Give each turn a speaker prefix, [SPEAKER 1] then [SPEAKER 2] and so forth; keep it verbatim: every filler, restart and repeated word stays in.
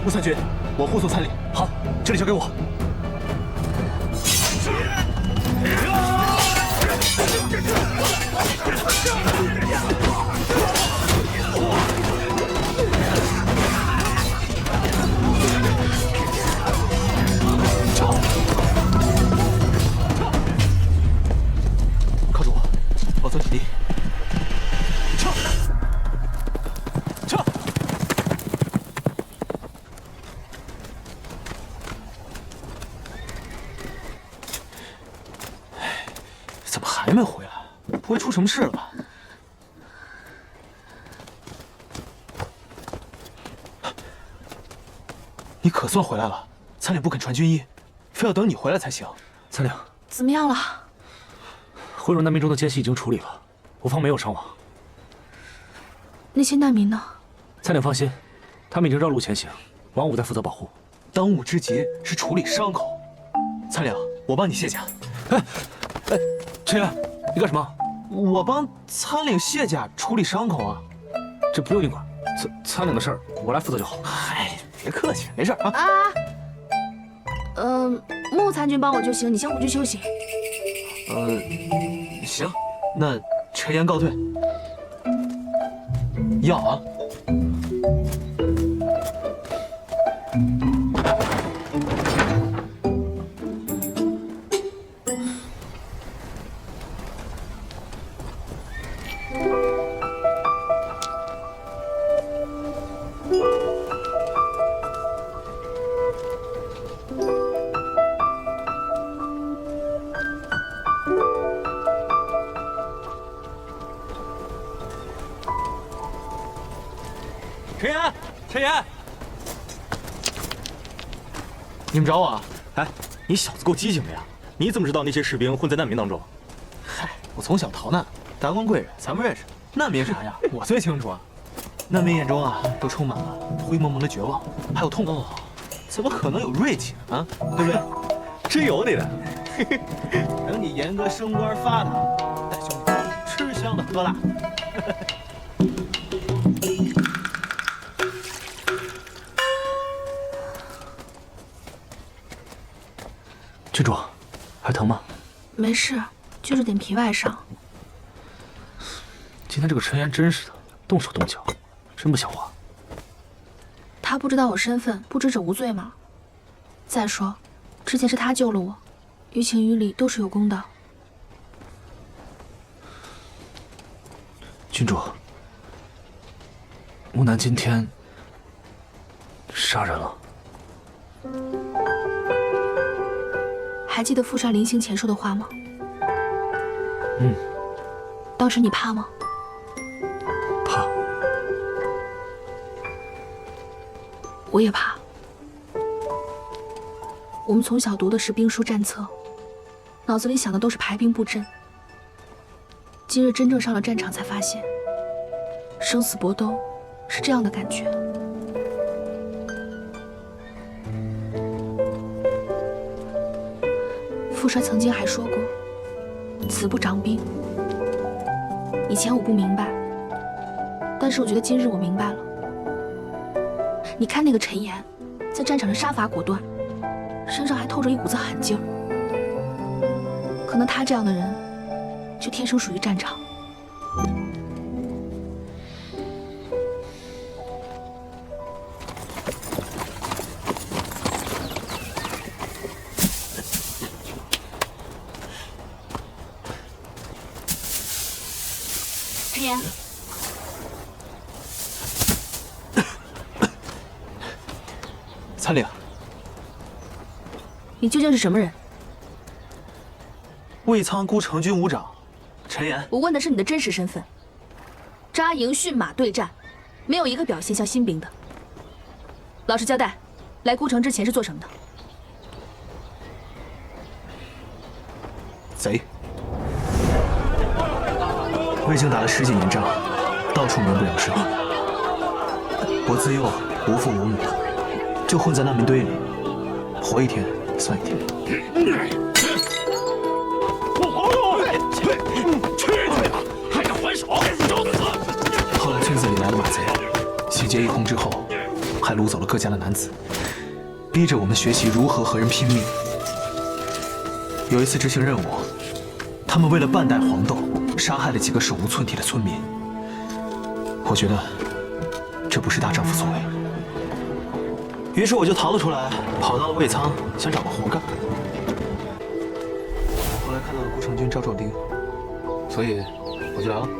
[SPEAKER 1] 穆三军，我护送参领。好，这里交给我。靠住我，保存体力。 还没回来，不会出什么事了吧？你可算回来了，参领不肯传军医，非要等你回来才行。参领，
[SPEAKER 2] 怎么样了？
[SPEAKER 1] 回入难民中的奸细已经处理了，我方没有伤亡。
[SPEAKER 2] 那些难民呢？
[SPEAKER 1] 参领放心，他们已经绕路前行，王武在负责保护。当务之急是处理伤口。参领，我帮你卸甲。哎，哎，陈岩，你干什么？ 我帮参领卸甲处理伤口啊，这不用你管，参参领的事儿我来负责就好。嗨，别客气，没事啊。
[SPEAKER 2] 啊，嗯、呃，穆参军帮我就行，你先回去休息。
[SPEAKER 1] 呃，行，那陈岩告退。要啊。陈岩，陈岩，你们找我啊？
[SPEAKER 3] 哎，你小子够机警的呀！你怎么知道那些士兵混在难民当中？
[SPEAKER 1] 嗨，我从小逃难，达官贵人咱们认识。难民啥呀？我最清楚啊。难民眼中啊，都充满了灰蒙蒙的绝望，还有痛苦。怎么可能有锐气啊？对不对？
[SPEAKER 3] 真有你的！
[SPEAKER 1] 等你严哥升官发达，带兄弟吃香的喝辣。郡主，还疼吗？
[SPEAKER 2] 没事，就是点皮外伤。
[SPEAKER 1] 今天这个陈岩真是的，动手动脚，真不像话。
[SPEAKER 2] 他不知道我身份，不知者无罪吗？再说，之前是他救了我，于情于理都是有功的。
[SPEAKER 1] 郡主，木南今天杀人了。
[SPEAKER 2] 还记得富帅临行前说的话吗？
[SPEAKER 1] 嗯。
[SPEAKER 2] 当时你怕吗？
[SPEAKER 1] 怕。
[SPEAKER 2] 我也怕。我们从小读的是兵书战策，脑子里想的都是排兵布阵。今日真正上了战场，才发现，生死搏斗是这样的感觉。富帅曾经还说过“子不长兵”。以前我不明白，但是我觉得今日我明白了。你看那个陈岩，在战场上杀伐果断，身上还透着一股子狠劲儿。可能他这样的人，就天生属于战场。陈岩，
[SPEAKER 1] 参领，
[SPEAKER 2] 你究竟是什么人？
[SPEAKER 1] 卫苍孤城军武长陈岩。
[SPEAKER 2] 我问的是你的真实身份。扎营驯马对战，没有一个表现像新兵的。老实交代，来孤城之前是做什么的？
[SPEAKER 1] 贼。我已经打了十几年仗，到处名不两生。我自幼无父无母，就混在难民堆里，活一天算一天。
[SPEAKER 4] 不活动！去去吧，还敢还手！找死！
[SPEAKER 1] 后来村子里来了马贼，洗劫一空之后，还还掳走了各家的男子，逼着我们学习如何和人拼命。有一次执行任务，他们为了半代黄豆，杀害了几个手无寸铁的村民。我觉得这不是大丈夫所为。于是我就逃了出来，跑到了卫仓，想找个活干。后来看到了顾成军、赵壮丁，所以我就来了。